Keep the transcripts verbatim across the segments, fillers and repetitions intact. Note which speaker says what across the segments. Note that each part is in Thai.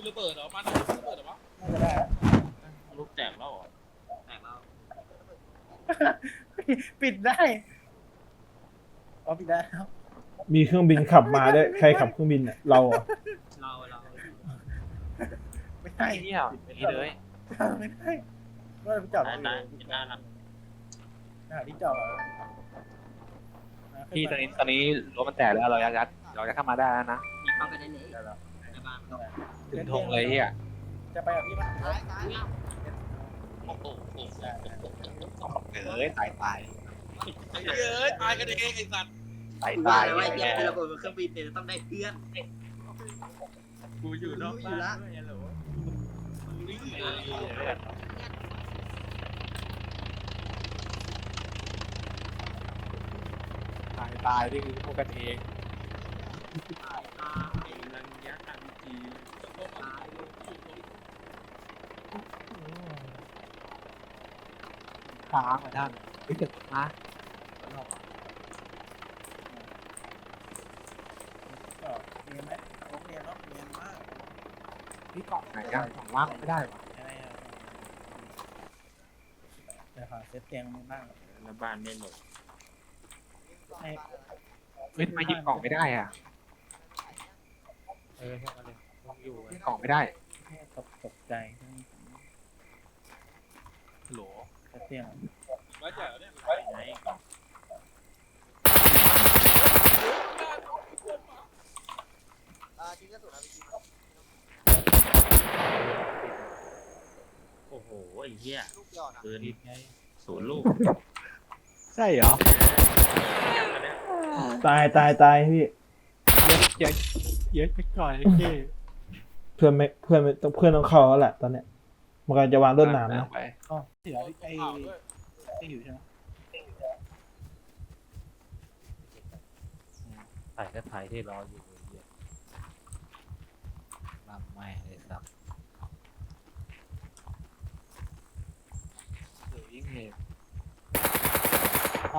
Speaker 1: ระเบิดเหรอมันระเบิดเหรอวะ
Speaker 2: น่าจะได้
Speaker 1: ลูกแตกแล้วเหรอ
Speaker 3: แตกแล้ว
Speaker 2: ปิดได้อ๋อปิดได้ครับ
Speaker 4: มีเครื่องบินขับมาด้วยใครขับเครื่องบินอ่ะเราอ่ะ
Speaker 3: เราเรา
Speaker 2: ไม่ได้
Speaker 1: นี่อ่ะไม่เลย
Speaker 2: ไม่ได้ก็ไปจอดได้ได้
Speaker 1: ได้นะ
Speaker 2: หาที่จอด
Speaker 1: พี่ตอนนี้ตอนนี้รถมันแตกแล้วเรายัดยัดเราจะเข้ามาได้แล้วนะ
Speaker 3: มีเข้าไปได้เลยในบ้าน
Speaker 1: ถึงธงเลยอ่ะ
Speaker 2: จะไปกับพี่ป่ะ
Speaker 3: ตายตาย
Speaker 1: โอ้โหเอ้ยตายตายเอ้ยตายกันเองไอ้สัตว์ตายตาย
Speaker 3: ว่าไอ้เจ้าระเบิดเครื่องบินเนี่ยต้องได้เพื่อน
Speaker 1: กูอยู่นอกบ้านด้วยฮัลโหลตายตายนี่คือพวกกันเอง
Speaker 3: ตายตาย
Speaker 1: นันยักษ์อันจีค้างมาท่านไม่เกิดนะ
Speaker 2: เรียนไหมโรงเรียนเนาะเรียนมาก
Speaker 1: พี่เกาะไหนอ่ะของว่างไม่ได้หรอ
Speaker 2: อะไรอ่ะเดี๋ยวหาเซตเตียงบ้าง
Speaker 1: แล้วบ้านไม่หมด
Speaker 2: ให้
Speaker 1: เฮ้ยทำไมหยิบกล่องไม่ได้อ่ะเออแค่นั้นเลยอยู่กล่องไม่ได้
Speaker 2: แค่ตกตกใจ
Speaker 1: โหล
Speaker 2: เซตเตียง
Speaker 1: ไว้เจ๋อเนี่ยไหน
Speaker 3: จริงก็สุดนะพี่
Speaker 1: โอ้โหไอ้เหี้ยปืนศูนย์
Speaker 4: ลูก
Speaker 1: ใช่เหรอ
Speaker 4: ตายตายตายพี่
Speaker 1: เยอะเยอะไปก่อนพี่
Speaker 4: เพื่อนไม่เพื่อนไม่ต้องเพื่อนต้องเข้าแล้วแหละตอนเนี้ยมันกำลังจะวางต้นน้ำนะ
Speaker 2: อ๋อเสียไอ้ไอ้อยู่ใช่ไหม
Speaker 1: ถ่ายก็ถ่ายที่รออยู่ลำไม่เลยสับเดี๋ยวยิ่งเห็น
Speaker 2: ไป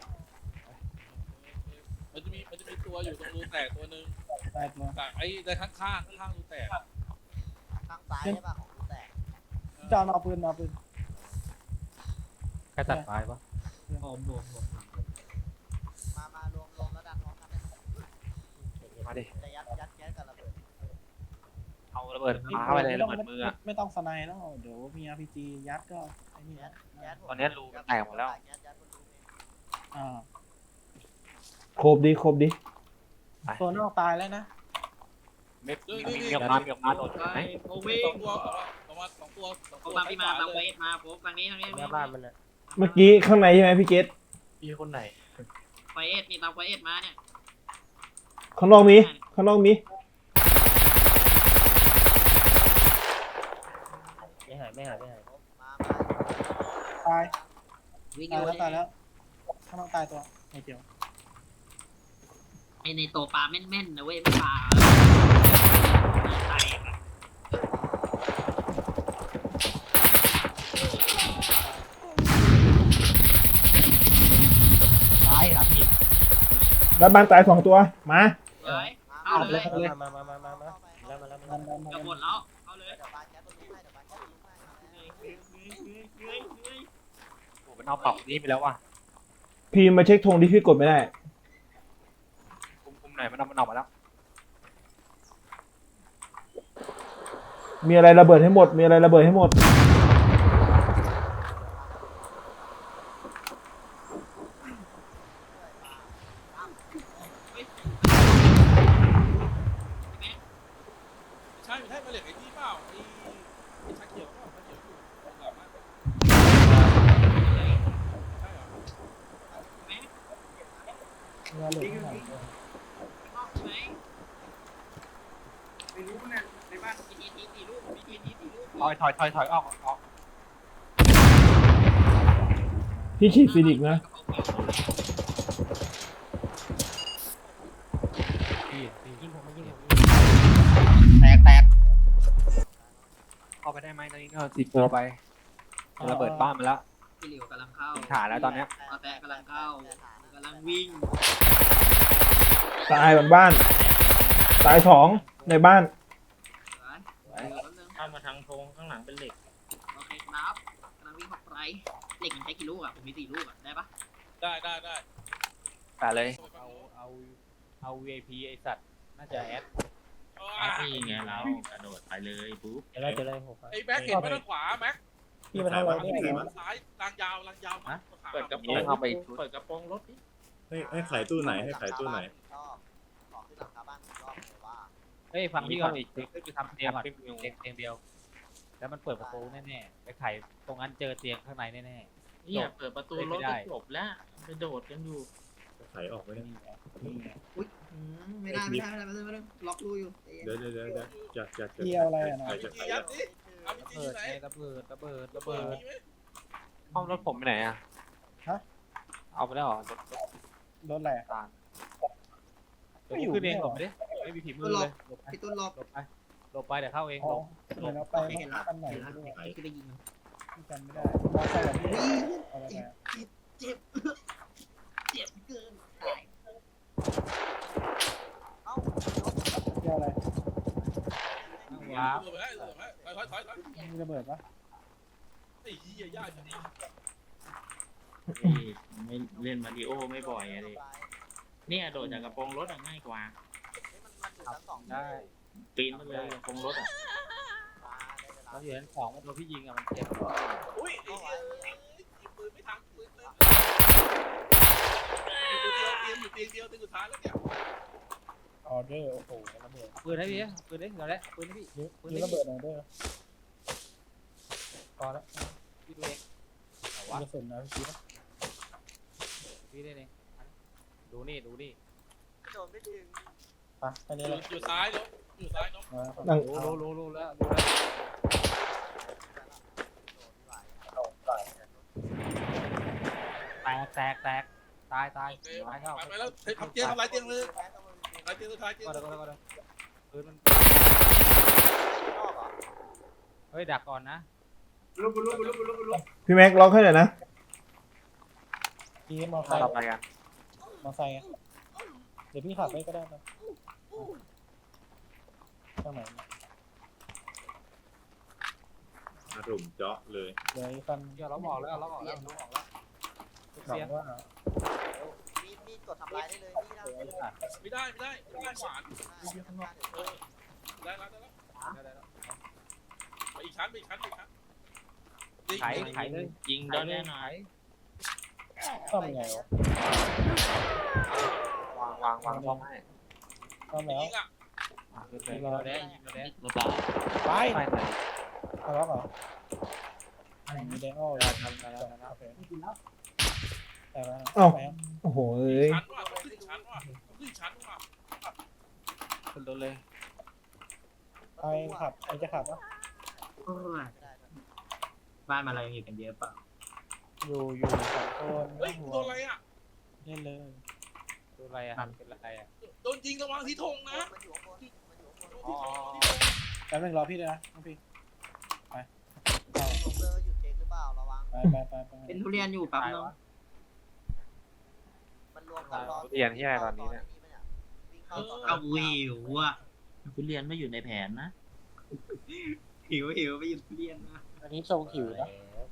Speaker 1: มันจะมีมันจะมีตัวอยู่ตรงรูแตกตัวนึง
Speaker 2: แตกตัว
Speaker 1: แตกไอ้ในข้างข้างข้างรูแตก
Speaker 3: ข้างซ้ายใช่ป่ะของรูแตก
Speaker 2: จอนเอาปืนเอาปืน
Speaker 1: ใครตัดไม้ปะ
Speaker 3: รวมรวมรวมมามารวมรวมแล้วดันพร้อมกัน
Speaker 1: มาดิ
Speaker 3: จะยัดยัดแก๊สกับระเบิด
Speaker 1: เอาระเบิดมาเข้าไปเลยระเบิดมือ
Speaker 2: ไม่ต้องสไนด์แล้วเดี๋ยวมี อาร์ พี จี ยัดก็ไอ้นี่
Speaker 1: ตอนนี้รูแตกหมดแล้ว
Speaker 2: อ่า
Speaker 4: ครบดิครบดิ
Speaker 2: ตัวนอกตายแล้วนะ
Speaker 1: ไม่มีมีออกมามีออกมาโดนไหม
Speaker 3: โอ้วิ่งตัวประมาณสองตัวสองตัวมาพี่มามาเวทมาโฟกฝั่งนี้ทางนี้หน้าบ้านมันเลย
Speaker 4: เมื่อกี้ข้างในใช่ไหมพี่เกต
Speaker 1: พี่คนไหน
Speaker 3: ไฟเอสนี่ตามไฟเอสมาเนี่ย
Speaker 4: ข้างนอกมีข้างนอกมี
Speaker 3: ไม่หายไม่หายไม่หาย
Speaker 2: ตาย
Speaker 3: วิ่ง
Speaker 2: ตายแล้วตายแล้วข้างนอกตายตัวไอ้เดียว
Speaker 3: ไอในโตปลาแม่นๆนะเว้ยไม่ปลาตาย
Speaker 2: ตายหลังหิน
Speaker 4: แล้วบ้านตายสองตัวมา
Speaker 3: เอาเลย
Speaker 2: มามามามามาแล้วมาแล้วมาแล้ว
Speaker 3: จะหมดแล้วเอาเลย
Speaker 1: โอ้เป็นเอาเป่านี่ไปแล้วว่ะ
Speaker 4: พี่มาเช็คธงที่พี่กดไม่ได้
Speaker 1: คุมคุมไหนมันเอามันออกมาแล้ว
Speaker 4: มีอะไรระเบิดให้หมดมีอะไรระเบิดให้หมด
Speaker 1: ใช่ใช่มาเหล็กไอ้นี่เปล่าไอ้ไอ้ชาเขียวเปล่าชาเขียวอยู่หลังนั้นใช่เหรอ
Speaker 2: เงาเหลือง
Speaker 3: ไม่รู้นะในบ้านมีทีทีสี่ลูกมีทีทีสี่ลูก
Speaker 1: ถอยถอยถอยถอยออกออก
Speaker 4: พี่ฉีดฟินิกนะ
Speaker 1: พี่พี่ยิงผมยิงผม
Speaker 3: แตกแตก
Speaker 1: เข้าไปได้ไหมตอนนี้ก็ติดตัวไประเบิดบ้านมาแล้ว
Speaker 3: พี่หลิวกำลังเข้า
Speaker 1: ฐานแล้วตอนนี้
Speaker 3: แตะกำลังเข้ากำลังวิ่ง
Speaker 4: ตายบนบ้านตายสองในบ้าน
Speaker 5: มาทางธงข้างหลังเป็นเหล็ก
Speaker 3: โอเคครับกำลังวิ่งเข้าไปเหล็กมันใช้กี่ลูกอ่ะผมมีสี่ลูกอ่ะได้ปะ
Speaker 6: ได้ได้ได้
Speaker 1: ไปเลย
Speaker 7: เอาเอาเอา วี ไอ พี ไอสัตว์น่าจะแอด
Speaker 5: แอดนี่ไงเรากระโดดไปเลยปุ๊บ
Speaker 7: จะได้จะได้หก
Speaker 6: ไอ้แม็กเห็นไปทางขวาแม็ก
Speaker 2: พี่มาทำอะไรเนี่ย
Speaker 6: ซ้ายลางยาวลางยาวมา
Speaker 5: เปิดกระโปร
Speaker 1: นี่
Speaker 5: ง
Speaker 1: เข้าไป
Speaker 5: เปิดกระโปรงรถดิ
Speaker 8: ให้ให้ขายตู้ไหนให้ขายตู้ไหน
Speaker 7: เฮ้ยฟังพี่ก่อน
Speaker 1: อีก
Speaker 7: ขึ้นไปทำเตียงก่อนเตียงเตียงเดียว แล้วมันเปิดประตูแน่ๆไปไขตรงนั้นเจอเตียงข้างในแน่
Speaker 5: เนี่ยเปิดประตูรถก็จบแล้วไปโดดกันอยู่
Speaker 8: ขายออกไว้
Speaker 7: ๆ
Speaker 8: นะ
Speaker 7: นี่ไง
Speaker 3: อุ้ยไม่ได้ไม่ได้ไม่ได้ไม่ได้ไม่ได้ล็อกรูอยู่
Speaker 8: เดี๋ยวเดี๋ยวเดี๋ยวเดี๋ยวอยากอยากจะ
Speaker 2: พี่เอาอะไรอ่ะนะ
Speaker 8: อยากจะ
Speaker 6: จี
Speaker 8: ขาย
Speaker 6: ยั
Speaker 8: อ
Speaker 6: ด
Speaker 8: อก
Speaker 6: ดิเอาไป
Speaker 7: ระ
Speaker 6: จี
Speaker 7: เบิด
Speaker 6: ไหน
Speaker 7: ไงระเบิดระเบิดระ
Speaker 6: เปิ
Speaker 7: เบิ
Speaker 6: ด
Speaker 7: ด
Speaker 6: มีไหม
Speaker 1: ห้องรถผมไปไหนอ่ะเอาไปแล้วเหรอรถ
Speaker 2: รถอะไรอ่ะ
Speaker 1: ตาล
Speaker 7: เดี๋ยวกูขึ้นเองหลบไปดิไม่มีผีมือเลยหลบไป
Speaker 3: พี่ต้นล็อก
Speaker 7: หลบไปหลบไปเดี๋ยวเข้าเอง
Speaker 2: อ๋
Speaker 7: ห
Speaker 2: อ
Speaker 7: ลบ
Speaker 2: เดี๋ยวเราไป
Speaker 3: เห็นละ
Speaker 2: คันไหน
Speaker 3: เห็นละ
Speaker 2: ไม่รู้อะ
Speaker 3: คือได้ยิง
Speaker 2: พี่จำไม่ได้มอไซค์แบบพี่เอาอะไรอ่ะ
Speaker 3: เจ็บเจ็บเกินตาย
Speaker 2: พี่เอาอะไร
Speaker 7: ว้าว
Speaker 6: เปิดไปให้เปิดไปให้ถอยถอยถอย
Speaker 2: มีระเบิดปะ
Speaker 6: ไอ้เหี้ยยากจริง
Speaker 5: นี่ไม่เล่นมาริโอไม่บ่อยอะดิเนี่ยโดดจากกระโปรงรถอะง่ายกว่า
Speaker 7: ได้
Speaker 5: ปีนมาเลยกระโปรงรถอะ
Speaker 7: เราอยู่ชั้นสองตัวพี่ยิงอะมันเจ็บ
Speaker 6: อุ้ยไอ้เหี้ยปืนไม่ทันปืนเล่นอยู่เตียงเดียวเตียงสุดท้ายแล้วเนี่ย
Speaker 2: ออเดอร์โอ้โหระเบิด
Speaker 7: ปืนให้พี่ปืนให้เราได้ปืนให้พี่ปืน
Speaker 2: มี
Speaker 7: ให้
Speaker 2: ระเบิดออเดอร์
Speaker 7: พอแล้วพี่ดูเองแต่
Speaker 2: มี
Speaker 7: ว่าก
Speaker 2: ระสุนนะพี่นะ
Speaker 7: พี่ได้เองดูนี่ดูนี่
Speaker 2: ไปอันนี้
Speaker 6: อ
Speaker 2: อะไร
Speaker 6: ยู่อยู่ซ้ายเนาะอยู่ซ้ายเนาะ
Speaker 2: มา
Speaker 4: นั่ง
Speaker 7: รู้รู้รู้รู้แล้วรู้แล้วแตกแตกแตกตายตาย
Speaker 6: โอเค
Speaker 7: ตายเข้า
Speaker 6: ไปแล้วทำเตียงทำลายเตียงเลยทำลายเตียงสุดท้ายเตียง
Speaker 7: ก็เดี๋ยวก็เดี๋ยวก็เดี๋ยวปืนมันเฮ้ยดักก่อนนะ
Speaker 4: พี่แม็กล็อกให้หน่อยนะ
Speaker 2: พี่มอไซ
Speaker 1: ถ้า
Speaker 2: ค์
Speaker 1: เราไปกัน
Speaker 2: มอไซค์อะเดี๋ยวพี่ขับไปก็ได้นะข้างไหนเนี่ย
Speaker 8: อารมณ์เจาะเลย
Speaker 2: เดี๋ยวไอ้คัน
Speaker 7: เดี๋ยวเราบอกแล้วเราบอกแล้วเราบอกแล้ว
Speaker 2: หวั
Speaker 7: เสีย
Speaker 2: งว่า
Speaker 9: มีมีดกดทำลายได้เลยนี่นะ
Speaker 6: ไม่ได้ไม่ได้ไม่ได้ขวานได้แล้วได้แล้วไปอีกชั้นไปอีกชั้นไปอีกชั้น
Speaker 7: ไขไขเลย
Speaker 5: ยิงได้แน่นอน
Speaker 2: ซ่อมยังไงวะ
Speaker 1: วางวางวางช่องให้
Speaker 2: ซ่อมแล้ว
Speaker 6: ยิงอ่ะ
Speaker 1: อ่ะขึ้นไป
Speaker 7: ยิงเราแดงยิงเราแดง
Speaker 5: ระบาด
Speaker 2: ไป
Speaker 1: ไปไหน
Speaker 2: เอาแล้วเหรอมีแดงอ้อ
Speaker 7: เราทำกันแล้วนะ
Speaker 2: โอเคแต่ว่า
Speaker 4: เอ้า
Speaker 2: ไปยัง
Speaker 4: โอ้โหเอ้ย
Speaker 6: ชั้นว่ะต้องขึ้นชั้นว่ะต้องขึ้นชั้นว่ะ
Speaker 1: ขึ้นรถเลย
Speaker 2: ไปขับใครจะขับวะ
Speaker 3: โอ้ยบ้านมาเรายังอยู่กันเยอะเปล่า
Speaker 2: อยู่อยู่สองคน
Speaker 6: เฮ้ย
Speaker 2: หัว
Speaker 6: โดนอะไรอ่ะ
Speaker 2: เล่นเลย
Speaker 7: ดูอะไรอ่ะเป็นอะไรอ่ะ
Speaker 6: โดนยิงระวังที่ธงนะ
Speaker 9: มันอยู่ข้างบนมันอยู่ข้างบน
Speaker 7: อ๋อ
Speaker 2: แป๊บนึงรอพี่ด้วยนะน้องพี่ไปเอา
Speaker 9: ลงเรือหยุดเองหรือเปล่าระวัง
Speaker 2: ไปไปไปไป
Speaker 3: เป็นทุเรียนอยู่แป๊บนึง
Speaker 9: มันรวมกันรอ
Speaker 1: เรียนที่ไหนตอนนี้เนี่ย
Speaker 9: วิ่งเข้าต่อ
Speaker 3: เอาหิวอ่ะ
Speaker 5: คุณเรียนไม่อยู่ในแผนนะ
Speaker 3: หิวหิวไปหยุดทุเรียนนะ
Speaker 2: อันนี้ทรงหิวนะ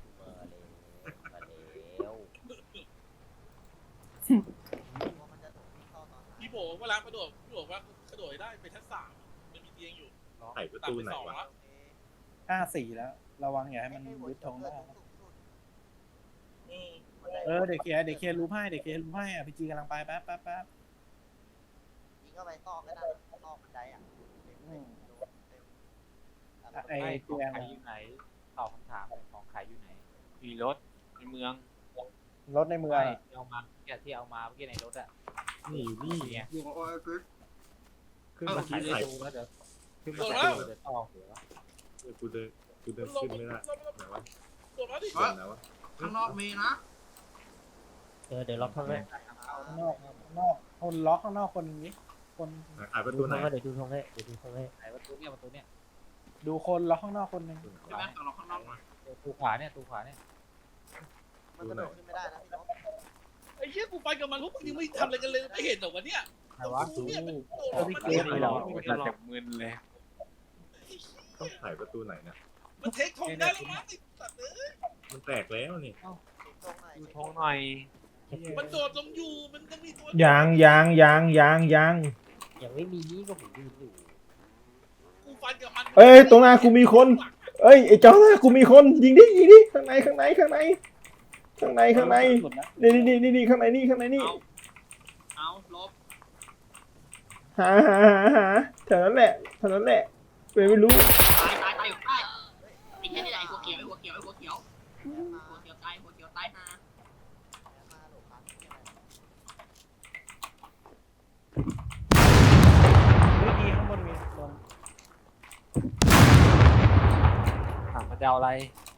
Speaker 9: มันจะวิ่งเข้าตอนไหน
Speaker 6: พี่โบเวลากระโดดพี่โบว่ากระโดดได้ไปชั้นสามมันมีเตียงอยู่
Speaker 8: ขายประ
Speaker 6: ตัด
Speaker 8: ตู
Speaker 6: ไป
Speaker 8: ไหน
Speaker 6: สอง
Speaker 8: วะ
Speaker 6: แล้ว
Speaker 9: โอเค
Speaker 2: ห้าสี่แล้ว ระวังอย่าให้มันยึดธงได้นะ
Speaker 6: เออ
Speaker 2: เออเดี๋ยวเคลียร์เดี๋ยวเคลียร์รูปให้เดี๋ยวเคลียร์รูปให้อ่ะพี่จีกำลังไปแป๊บแป๊บแป๊บ
Speaker 9: ยิงเข้าไปซอกก็ได้ซอกบันไดอ่ะเต็มเต็มโดนเต็ม
Speaker 2: อ่ะไอ้
Speaker 7: ไอ้ข
Speaker 2: เตี
Speaker 7: อง
Speaker 2: ยง
Speaker 7: ขาย
Speaker 2: อ่ะ
Speaker 7: อยู่ไหนตอบคำถามของขายอยู่ไหน
Speaker 1: มีรถในเมือง
Speaker 2: รถในเมือง
Speaker 7: ไม่
Speaker 2: อ่ะ
Speaker 7: ที่เอามาเนี่ยที่เอามาเมื่อกี้ในรถอ่ะ
Speaker 8: นี่นี่
Speaker 7: ไง
Speaker 3: อยู่กับโอ้ยปึ๊บ
Speaker 7: ขึ้นมาขายประตูแล้วเดี๋ยวขึ้นมาขายประตูเดี๋ยวต่อหัว
Speaker 8: เออกูเดินกูเดิน
Speaker 6: ลง
Speaker 8: ขึ้นไม่ได้
Speaker 6: ลงลง
Speaker 8: ไหนวะ
Speaker 6: ลงแล้วดิ
Speaker 8: เดินไหนวะ
Speaker 3: ข้างนอกมีนะ
Speaker 7: เออเดี๋ยวล็อกเข้าไป
Speaker 2: ข้างนอกข้างนอกคนล็อกข้างนอกคนนี้คน
Speaker 8: ขายประตูไหน
Speaker 7: เดี๋ยวดูทงให้เดี๋ยวดูทงให้ขายประตูเนี่ยประตูเนี่ย
Speaker 2: ดูคนล็อกข้างนอกคนหนึ่ง
Speaker 3: ใช่ไหมเอาเราข้างนอกมา
Speaker 7: ประตูขวาเนี่ยประตูขวาเนี่ย
Speaker 9: มันกระโดดขึ้นไม่ได้นะพี่นก
Speaker 6: ไอ้เหี้ยกูไปกับมันพวกมึงยังไม่ทำอะไรกันเลยไม่เห็นเหรอวะเนี่ย
Speaker 7: ไหนวะ
Speaker 6: เนี่ยมันโดด
Speaker 1: เออ
Speaker 6: มัน
Speaker 1: เก
Speaker 6: เห็
Speaker 1: ม
Speaker 6: น
Speaker 1: เลย
Speaker 6: เห
Speaker 1: เห
Speaker 6: ร
Speaker 1: ร
Speaker 6: อ
Speaker 1: อมันจะมึนเลย
Speaker 8: ต้องถ่ายประตูไหนนะ
Speaker 6: มันเทคทงได้แล้วมั้งไอ้สัตว์เอ้ย
Speaker 8: มันแตกแล้วนี่
Speaker 9: ตรงไหน
Speaker 1: ดูทงหน่อย
Speaker 6: มันโดดลงอยู่มันยังมีตัว
Speaker 4: ยางยางยางยางยาง
Speaker 7: ยังไม่มีก็ผมยืนอยู่
Speaker 6: กูฟันกับมัน
Speaker 4: เอ้ยตรงหน้ากูมีคน เอ้ยไอ้เจ้าหน้ากูมีคนยิงดิยิงดิข้างในข้างในข้างในข้างในข้างใน
Speaker 2: หลุดนะ
Speaker 4: นี่นี่นี่นี่ข้างในนี่ข้างในนี่
Speaker 3: เอาเอาลบ
Speaker 4: หาหาหาหาแถวนั้นแหละแถวนั้นแหละเว้ยไม่รู้
Speaker 3: ตายตายตายอยู่ใต้ไอ้แค่นี่แหละไอ้หัวเขียวไอ้หัวเขียวไอ้หัวเขียวหัวเขียวตายหัวเขียวตายฮะ
Speaker 9: มาหลบครับ
Speaker 2: วิธีข้างบนมีลง
Speaker 1: ถามมันจะเอาอะไร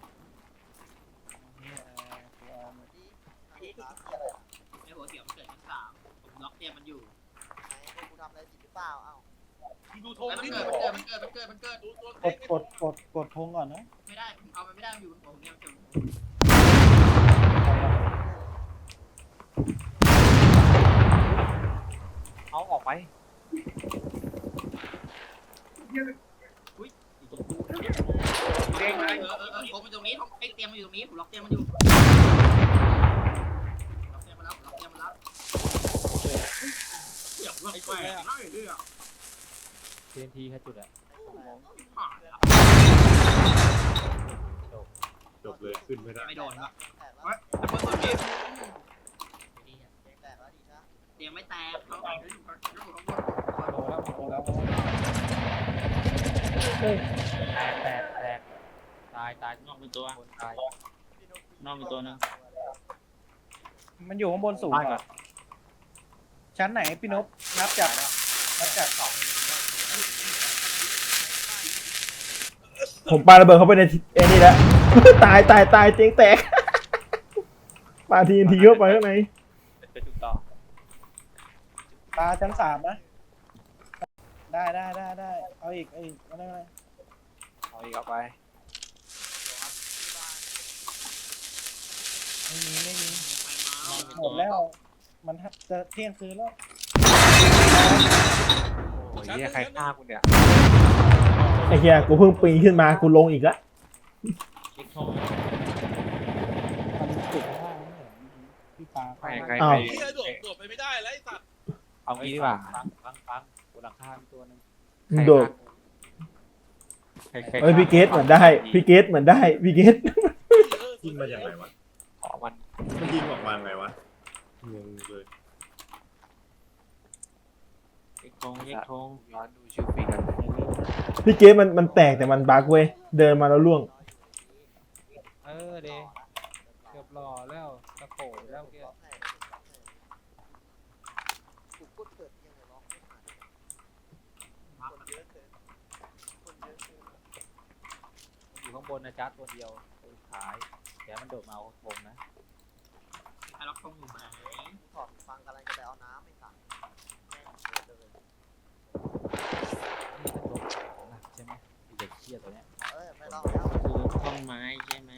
Speaker 2: เนี่ยเอ่อกูเอามา
Speaker 9: ดีดีครับที่อะไร
Speaker 3: ไอ้หัวเขียวมันเกิดชั้นสามผมล็อกเตียมันอยู่
Speaker 9: ไหนกูทำอะไรผิดหรือเปล่าเอ้า
Speaker 6: ดูธง
Speaker 3: ไอ้มัน
Speaker 6: นี่
Speaker 3: เกิ
Speaker 6: ดู
Speaker 3: ดมันเกิดมันเกิดมันเกิดมันเกิด
Speaker 6: ดูตัว
Speaker 2: ก
Speaker 6: เท
Speaker 2: ด
Speaker 6: ค
Speaker 2: กดกดกดพงก่อนนะ
Speaker 3: ไม่ได้ผมเอามันไม่ได้มันอยู่บนผมเนี่ยมันเกิด
Speaker 1: เอาออกไป
Speaker 3: เด้งเลยเออเออเออผมอยู่ตรงนี้ผมไอ้เตียงมันอยู่ตรงนี้ผมล็อกเตียงมันอยู่ล็อกเตียงมาแล้วล็อกเตียงมาแล้วเดี๋ยวล็อกแหวนไล่เรื่อง
Speaker 7: เทียนทีแค่จุดอะ
Speaker 3: ผ่านแล้ว
Speaker 8: จบเลยขึ้นไม่ได้
Speaker 3: ไม่โดนครับ
Speaker 9: แตกแล้ว
Speaker 3: เฮ้ยแต่เมื่อก่อนนี้
Speaker 9: แตกแล้วดีนะ
Speaker 3: เตียงไม่แตกเขาเอาอยู่ข้างบน
Speaker 2: โดนแล้วโดนแล้ว
Speaker 7: แตกแตกแตกตายตาย
Speaker 5: นอกเป็นตัว
Speaker 7: คนตาย
Speaker 5: นอกเป็นตัวนึง
Speaker 2: มันอยู่ข้างบนสูงเหรอชั้นไหนพี่นพนับจากนับจากสอง
Speaker 4: ผมปาระเบิดเข้าไปในไอ้นี่แล้ว ตายตายตายเจ๊งแตก ปาทีนทีเข้าไปข้างใน
Speaker 7: ไปจุดต่อ
Speaker 2: ปลาชั้นสามนะได้ได้ได้ได้เอาอีกเอาอีกเอาได้ไหม
Speaker 1: เอาอีกเอาไป
Speaker 2: ไม่มีไม่มี
Speaker 3: ไปมา
Speaker 2: หมดแล้ว มันจะเที่ยงคืนแล้ว
Speaker 1: โอ้ยเหี้ยใครฆ่ากูเนี่ย
Speaker 4: ไอ้เหี้ยกูเพิ่งปีนขึ้นมากูลงอีกละ
Speaker 5: เช็คทง
Speaker 2: มันจุดข้างล่างนี่เหรอพี่ปลา
Speaker 1: ใครใคร
Speaker 4: อ้า
Speaker 1: ใคร
Speaker 4: ว
Speaker 6: เฮียโดดโดดไปไม่ได้แล้วไอ้สัตว์
Speaker 1: เอางี้ดีกว่า
Speaker 7: ฟังฟังฟังบนหลังคามีตัวหนึง
Speaker 4: มึงโดด
Speaker 1: ใครใคร
Speaker 4: เอ้ยพี่เกตเหมือนได้พี่เกตเหมือนได้พี่เกต
Speaker 8: ยิงมาจากไหนวะ
Speaker 1: ขอมัน
Speaker 8: มันยิงออกมาไงวะงงเลย
Speaker 5: เช็คทงเช็คทง
Speaker 1: ย้อนดูชื่อฟีกัน
Speaker 4: พี่เกตมันมันแตกแต่มันบั๊กเว้ยเดินมาแล้วล่วง
Speaker 7: เออเดเกือบรอแล้วตะโขนแล้วเกี้ย
Speaker 9: ล็อกไหนล็อกไหนกูกดเปิดยังไงล็อกไม่ผ่านคนเยอะเกินคนเยอะเกิน
Speaker 7: อยู่ข้างบนนะจ๊ะตัวเดียวตัวสุดท้ายเดี๋ยวมันโดดมาเอาวงนะ
Speaker 3: ไอ้ล็อกทงอยู่ไหน
Speaker 9: ถอดฟังกำลังจะไปเอาน้ำไม่สั่งแม่งเดือดเลย
Speaker 7: นี่เป็นตัวหนักใช่ไหมไอ้เด็กเชี่ยตัวเนี้ย
Speaker 9: เอ้ยไม่ต้องแล้ว
Speaker 5: คือท่อนไม้ใช่ไหม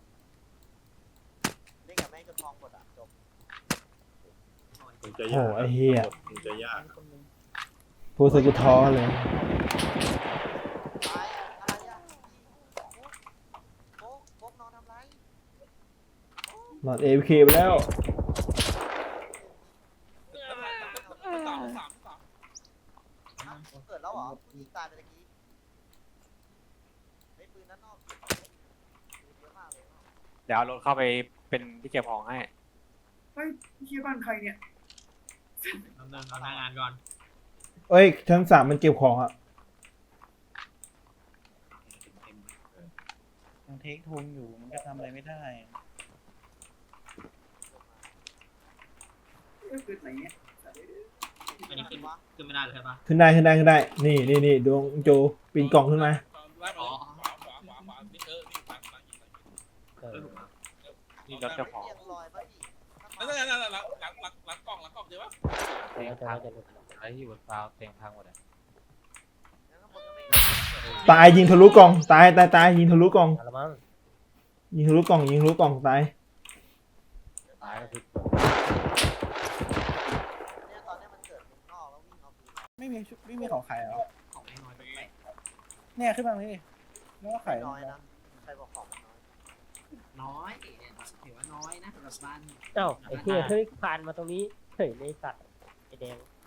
Speaker 9: เล่นกับแม่งจนทองหมดอ่ะจบ
Speaker 8: มันจะ
Speaker 4: โอ้
Speaker 8: ยาก
Speaker 4: ไอ้เหี้ย
Speaker 8: มันจะยาก
Speaker 4: พูดสกุท้อเลย
Speaker 9: ตายอะไรอ่ะโก๊กโก๊กนอนทำไร
Speaker 4: นอนเอฟเคไปแล้ว
Speaker 6: สามสามสาม
Speaker 9: เกิดแล้วเหรอยิงตายไปตะกี้ไอ้ปืนนั้นนอกปืนเยอะมากเลย
Speaker 1: เดี๋ยวเอารถเข้าไปเป็นที่เก็บของให้
Speaker 3: เอาหนึ่งเอาหน้างานก่อน
Speaker 4: เอ้ยชั้นสามมันเก็บของอ่ะ
Speaker 2: ยังเทคทงอยู่มันก็ทำอะไรไม่ได้
Speaker 3: อันนี้ขึ้นขึ้นไม่ได้เลยใช่ปะ
Speaker 4: ขึ้นได้ขึ้นได้ขึ้นได้ นี่นี่นี่ดวงโจปีนกล่องขึ้นมา
Speaker 6: ไล่มาขวาขวาขวาขวานี่เออนี่หลังหลังยิงหลังยิง
Speaker 7: เออ
Speaker 1: นี่รถเจ้าของ
Speaker 9: เรียงลอยป่ะพี่
Speaker 6: นั่นนั่นนั่นหลังหลังหลังหลังกล่องหลังกล่องเดี๋ยววะ
Speaker 7: เตียงพังอะไรที่อยู่บนฟ้าเตียงพังหมดอ่ะ
Speaker 4: ตายยิงทะลุกล่องตายตายตายยิงทะลุกล่องยิงทะลุกล่องยิงทะลุกล่องตาย
Speaker 7: ตายก็คือ
Speaker 9: เนี่ยตอนนี้มันเกิดนอกแล้ววิ่งเอาปืน
Speaker 2: ไม่มีชุดไม่มีของขายเหรอ
Speaker 3: ของน้อยๆแปลก
Speaker 2: เนี่ยขึ้นมาพี่แล้วก็ไข่
Speaker 9: น้อยนะใครบอกของมันน้อย
Speaker 3: น้อยเนี่ยถือว่าน้อยนะสำหรับบ้าน
Speaker 10: เอ้าไอ้เหี้ยเฮ้ยผ่านมาตรงนี้เฉยเลยสัตว์ไอ้แดง